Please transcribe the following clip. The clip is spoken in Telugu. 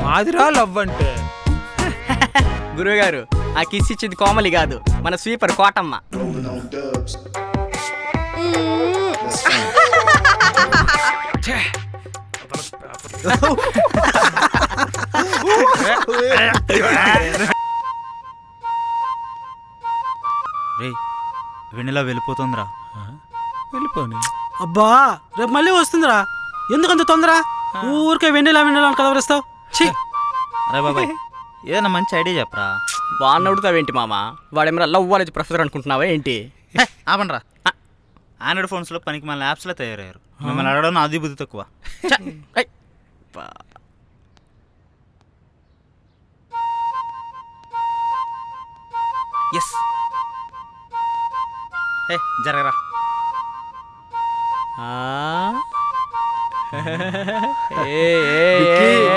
ఆదిరా లవ్ అంటే. గురువుగారు ఆ కిస్ ఇచ్చింది కోమలి కాదు, మన స్వీపర్ కోటమ్మ. రే వెన్నెలా వెళ్ళిపోతుందిరా. వెళ్ళిపోని. అబ్బా రేపు మళ్ళీ వస్తుందిరా, ఎందుకంత తొందర? ఊరికే వెన్నెలా అని కలవరిస్తావు. అరే బాబాయ్ ఏదైనా మంచి ఐడియా చెప్పరా. వాడిని అడుగుతావేంటి మామ? వాడేమన్నా లవ్ కాలేజ్ ప్రొఫెసర్ అనుకుంటున్నావా ఏంటి? ఆపండ్రా. ఆండ్రాయిడ్ ఫోన్స్లో పనికి మన యాప్స్లో తయారయ్యారు. మిమ్మల్ని అడగడం అది బుద్ధి తక్కువ. ఎస్ జరగరా. ఏ